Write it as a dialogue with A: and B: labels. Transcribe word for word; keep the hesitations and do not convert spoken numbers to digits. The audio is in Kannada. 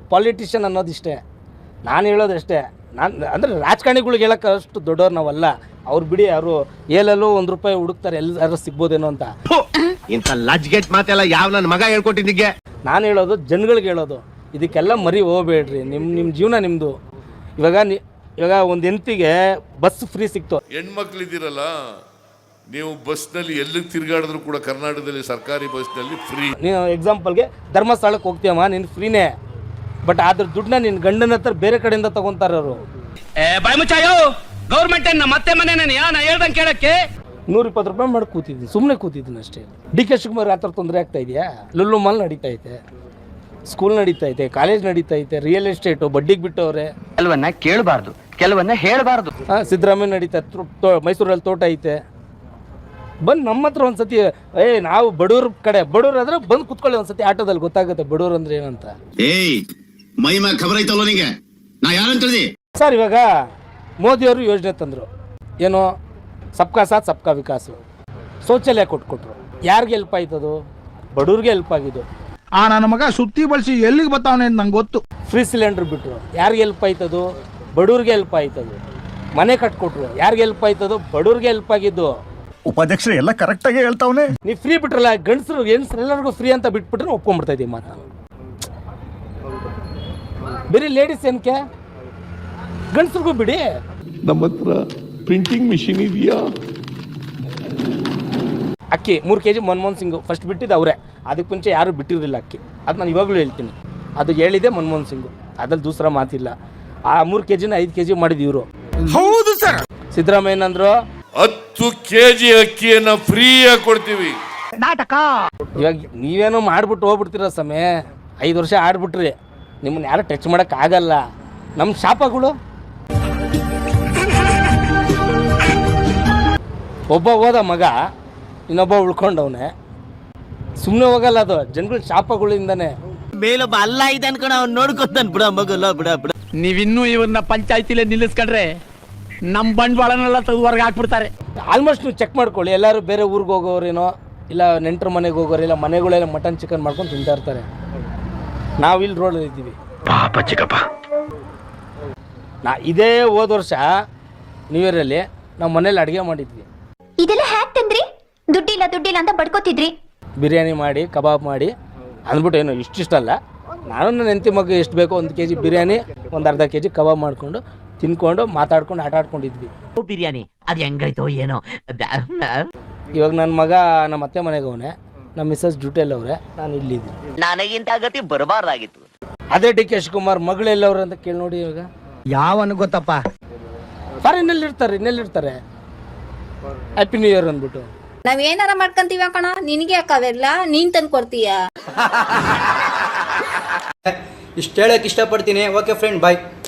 A: ಪಾಲಿಟಿಷಿಯನ್ ಅನ್ನೋದಿಷ್ಟೇ. ನಾನು ಹೇಳೋದಷ್ಟೇ. ನಾನು ಅಂದರೆ ರಾಜಕಾರಣಿಗಳಿಗೆ ಹೇಳೋಕ್ಕೆ ಅಷ್ಟು ದೊಡ್ಡವ್ರು ನಾವಲ್ಲ. ಅವ್ರು ಬಿಡಿ, ಅವರು ಏಲಲ್ಲೂ ಒಂದು ರೂಪಾಯಿ ಹುಡುಕ್ತಾರೆ, ಎಲ್ಲರೂ ಸಿಗ್ಬೋದೇನೋ ಅಂತ.
B: ಇಂಥ ಲಜ್ಗೆಟ್ ಮಾತೆಲ್ಲ ಯಾವ ನನ್ನ ಮಗ ಹೇಳ್ಕೊಟ್ಟಿದ್ದಿಗೆ.
A: ನಾನು ಹೇಳೋದು ಜನಗಳಿಗೆ ಹೇಳೋದು, ಇದಕ್ಕೆಲ್ಲ ಮರಿ ಹೋಗಬೇಡ್ರಿ. ನಿಮ್ಮ ನಿಮ್ಮ ಜೀವನ ನಿಮ್ಮದು. ಇವಾಗ ನಿ ಇವಾಗ ಒಂದು ಹೆಂಡತಿಗೆ ಬಸ್ ಫ್ರೀ ಸಿಕ್ತು.
C: ಹೆಣ್ಮಕ್ಳಿದ್ದೀರಲ್ಲ, ನೀವು ಬಸ್ನಲ್ಲಿ ಎಲ್ಲಿಗೆ ತಿರುಗಾಡಿದ್ರು ಕೂಡ ಕರ್ನಾಟಕದಲ್ಲಿ ಸರ್ಕಾರಿ ಬಸ್ನಲ್ಲಿ ಫ್ರೀ.
A: ನೀನು ಎಕ್ಸಾಂಪಲ್ಗೆ ಧರ್ಮಸ್ಥಳಕ್ಕೆ ಹೋಗ್ತೀಯಮ್ಮ, ನೀನು ಫ್ರೀನೇ. ಬಟ್ ಅದ್ರ ದುಡ್ಡನ್ನ ನಿನ್ನ ಗಂಡನ ಹತ್ರ ಬೇರೆ ಕಡೆಯಿಂದ ತಗೊಂತಾರೆ ಅವರು.
D: ಬಾಯ್ ಮುಚ್ಚಾಯೋ, ಗೌರ್ಮೆಂಟ್ ಮತ್ತೆ ಮನೆ ನಾ ಹೇಳ್ದಂಗೆ ಕೇಳಕ್ಕೆ
A: ನೂರ ಇಪ್ಪತ್ತು ರೂಪಾಯಿ ಮಾಡಿ ಕೂತಿದ್ದೀನಿ, ಸುಮ್ಮನೆ ಕೂತಿದ್ದೀನಿ ಅಷ್ಟೇ. ಡಿ ಕೆ ಶಿವಕುಮಾರ್ ಆ ಥರ ತೊಂದರೆ ಆಗ್ತಾ ಇದೆಯಾ? ಲುಲ್ಲು ಮಾಲ್ ನಡೀತಾ ಐತೆ, ಸ್ಕೂಲ್ ನಡೀತಾ ಐತೆ, ಕಾಲೇಜ್ ನಡೀತಾ ಐತೆ, ರಿಯಲ್ ಎಸ್ಟೇಟು ಬಡ್ಡಿಗೆ ಬಿಟ್ಟವ್ರೆ.
D: ಕೆಲವನ್ನ ಕೇಳಬಾರ್ದು, ಕೆಲವನ್ನ ಹೇಳಬಾರ್ದು.
A: ಹಾಂ, ಸಿದ್ದರಾಮಯ್ಯ ನಡೀತಾ, ಮೈಸೂರಲ್ಲಿ ತೋಟ ಐತೆ. ಬಂದು ನಮ್ಮ ಹತ್ರ ಒಂದು ಸತಿ, ಏ ನಾವು ಬಡವ್ರ ಕಡೆ ಬಡವ್ರು ಆದ್ರೆ ಬಂದು ಕುತ್ಕೊಳ್ಳಿ ಒಂದು ಸತಿ ಆಟೋದಲ್ಲಿ, ಗೊತ್ತಾಗುತ್ತೆ ಬಡವ್ರು ಅಂದ್ರೆ ಏನಂತ.
B: ಏಯ್ ಮೈ ಮ್ಯಾಗ ಖಬರ್ ಐತಲ್ಲ ನಿಂಗೆ, ನಾ ಯಾರಂತ ಹೇಳಿದೆ
A: ಸರ್? ಇವಾಗ ಮೋದಿಯವರು ಯೋಜನೆ ತಂದರು, ಏನು ಸಬ್ಕಾ ಸಾಥ್ ಸಬ್ಕಾ ವಿಕಾಸ್, ಶೌಚಾಲಯ ಕೊಟ್ಕೊಟ್ರು. ಯಾರಿಗೆ ಹೆಲ್ಪ್ ಆಯ್ತದು? ಬಡವ್ರಿಗೆ ಹೆಲ್ಪ್ ಆಗಿದ್ದು.
E: ಆ ನನ್ನ ಮಗ ಸುತ್ತಿ ಬಳಸಿ ಎಲ್ಲಿಗೆ ಬರ್ತಾವನೆ ಅಂತ ನಂಗೆ ಗೊತ್ತು.
A: ಫ್ರೀ ಸಿಲಿಂಡರ್ ಬಿಟ್ಟರು, ಯಾರಿಗೆ ಹೆಲ್ಪ್ ಆಯ್ತದು? ಬಡವ್ರಿಗೆ ಹೆಲ್ಪ್ ಆಯ್ತದು. ಮನೆ ಕಟ್ಕೊಟ್ರು, ಯಾರಿಗೆ ಹೆಲ್ಪ್ ಆಯ್ತದು? ಬಡವ್ರಿಗೆ ಹೆಲ್ಪ್ ಆಗಿದ್ದು.
F: ಉಪಾಧ್ಯಕ್ಷರು ಎಲ್ಲ ಕರೆಕ್ಟಾಗಿ ಹೇಳ್ತಾವನೆ.
A: ನೀವು ಫ್ರೀ ಬಿಟ್ರಲ್ಲ, ಗಂಡಸರು ಹೆಣ್ಸರು ಎಲ್ಲರಿಗೂ ಫ್ರೀ ಅಂತ ಬಿಟ್ಬಿಟ್ರೆ ಒಪ್ಕೊಂಡ್ಬಿಡ್ತಾ ಇದ್ದೀವಿ ಮಾತು. ನಾನು ಬರೀ ಲೇಡೀಸ್ ಏನಕ್ಕೆ, ಗಂಡಸ್ರಿಗೂ ಬಿಡಿ.
C: ನಮ್ಮ ಹತ್ರ ಪ್ರಿಂಟಿಂಗ್ ಮಿಷಿನ್ ಇದೆಯಾ?
A: ಅಕ್ಕಿ ಮೂರು K G Manmohan Singh first ಬಿಟ್ಟಿದ್ದು ಅವರೇ. ಅದಕ್ಕೆ ಮುಂಚೆ ಯಾರು ಬಿಟ್ಟಿರಲಿಲ್ಲ ಅಕ್ಕಿ. ಅದು ನಾನು ಇವಾಗಲೂ ಹೇಳ್ತೀನಿ, ಅದು ಹೇಳಿದೆ ಮನಮೋಹನ್ ಸಿಂಗು, ಅದ್ರಲ್ಲಿ ದೂಸರ ಮಾತಿಲ್ಲ. ಆ ಮೂರು ಕೆ ಜಿನ ಐದು ಕೆ ಜಿ ಮಾಡಿದ್ದು ಇವರು.
E: ಹೌದು ಸರ್.
A: ಸಿದ್ದರಾಮಯ್ಯ ಅಂದ್ರು
C: ಹತ್ತು ಕೆ ಜಿ ಅಕ್ಕಿಯನ್ನ ಫ್ರೀಯಾಗಿ ಕೊಡ್ತೀವಿ.
E: ನಾಟಕ.
A: ಇವಾಗ ನೀವೇನೋ ಮಾಡ್ಬಿಟ್ಟು ಹೋಗ್ಬಿಡ್ತೀರ ಸಮಯ. ಐದು ವರ್ಷ ಆಡ್ಬಿಟ್ರಿ, ನಿಮ್ಮನ್ನ ಯಾರು ಟಚ್ ಮಾಡೋಕ್ಕಾಗಲ್ಲ. ನಮ್ಮ ಶಾಪಗಳು, ಒಬ್ಬ ಹೋದ ಮಗ, ಇನ್ನೊಬ್ಬ ಉಳ್ಕೊಂಡವನೆ. ಸುಮ್ಮನೆ ಹೋಗಲ್ಲ, ಅದು ಜನಗಳ ಶಾಪಗಳಿಂದಾನೆ.
G: ಮೇಲೊಬ್ಬ ಅಲ್ಲ ಇದೆ ಅನ್ಕೊಂಡ ಅವ್ನು ನೋಡ್ಕೊತಾನೆ. ಬಿಡ ಮಗಲ್ಲ, ಬಿಡ ಬಿಡ.
D: ನೀವಿನ್ನೂ ಇವ್ರನ್ನ ಪಂಚಾಯತಿಲೇ ನಿಲ್ಲಿಸ್ಕೊಂಡ್ರೆ ನಮ್ಮ ಬಂಡವಾಳನೆಲ್ಲ ತೆಗೆದು ಹೊರಗೆ ಹಾಕ್ಬಿಡ್ತಾರೆ.
A: ಆಲ್ಮೋಸ್ಟ್ ನೀವು ಚೆಕ್ ಮಾಡ್ಕೊಳ್ಳಿ, ಎಲ್ಲರೂ ಬೇರೆ ಊರಿಗೆ ಹೋಗೋರೇನೋ, ಇಲ್ಲ ನೆಂಟರ ಮನೆಗೆ ಹೋಗೋರು, ಇಲ್ಲ ಮನೆಗಳೆಲ್ಲ ಮಟನ್ ಚಿಕನ್ ಮಾಡ್ಕೊಂಡು ತಿಂತಾ ಇರ್ತಾರೆ. ನಾವು ಇಲ್ಲಿ ರೋಡಲ್ಲಿ ಇದ್ದೀವಿ.
B: ಪಾಪ ಚಿಕ್ಕಪ್ಪ.
A: ನಾ ಇದೇ ಹೋದ ವರ್ಷ ನ್ಯೂ ಇಯರಲ್ಲಿ ನಾವು ಮನೇಲಿ ಅಡುಗೆ ಮಾಡಿದ್ವಿ.
H: ಇದೆಲ್ಲ ಹ್ಯಾಕ್ ತಂದ್ರಿ? ದುಡ್ಡಿಲ್ಲ ದುಡ್ಡಿಲ್ಲ ಅಂತ ಬಡ್ಕೋತಿದ್ರಿ.
A: ಬಿರಿಯಾನಿ ಮಾಡಿ, ಕಬಾಬ್ ಮಾಡಿ ಅಂದ್ಬಿಟ್ಟು, ಏನು ಇಷ್ಟಿಷ್ಟಲ್ಲ, ನಾನು ನನ್ನ ಹೆಂಡತಿ ಮಗ ಎಷ್ಟು ಬೇಕೋ ಒಂದು ಕೆ ಜಿ ಬಿರಿಯಾನಿ, ಒಂದು ಅರ್ಧ ಕೆ ಜಿ ಕಬಾಬ್ ಮಾಡಿಕೊಂಡು ತಿನ್ಕೊಂಡು ಮಾತಾಡ್ಕೊಂಡು ಆಟ ಆಡ್ಕೊಂಡಿದ್ವಿ.
G: ಬಿರಿಯಾನಿ ಅದು ಹೆಂಗಾಯ್ತೋ ಏನೋ.
A: ಇವಾಗ ನನ್ನ ಮಗ ನಮ್ಮ ಅತ್ತೆ ಮನೆಗೆ ಅವನೇ, ನಮ್ಮ ಮಿಸ್ಸಸ್ ಡ್ಯೂಟಿಯಲ್ಲಿ ಅವರೇ, ನಾನು ಇಲ್ಲಿದ್ದೀನಿ.
G: ನನಗಿಂತ ಗತಿ ಬರಬಾರ್ದಾಗಿತ್ತು.
A: ಅದೇ ಡಿ ಕೆ ಶಿವಕುಮಾರ್ ಮಗಳೆಲ್ಲವ್ರು ಅಂತ ಕೇಳಿ ನೋಡಿ. ಇವಾಗ
E: ಯಾವನು ಗೊತ್ತಪ್ಪ,
A: ಫಾರಿನಲ್ಲಿ ಇರ್ತಾರೆ, ಇನ್ನೆಲ್ಲಿರ್ತಾರೆ. ಹ್ಯಾಪಿ ನ್ಯೂ ಇಯರ್ ಅಂದ್ಬಿಟ್ಟು
I: ನಾವ್ ಏನಾರ ಮಾಡ್ಕೊಂತೀವಿ ಕಣ, ನಿನಗೆ ಯಾಕವೆಲ್ಲ ನೀನ್ ತಂದು ಕೊಡ್ತೀಯ.
J: ಇಷ್ಟು ಹೇಳಕ್ ಇಷ್ಟಪಡ್ತೀನಿ. ಓಕೆ ಫ್ರೆಂಡ್, ಬಾಯ್.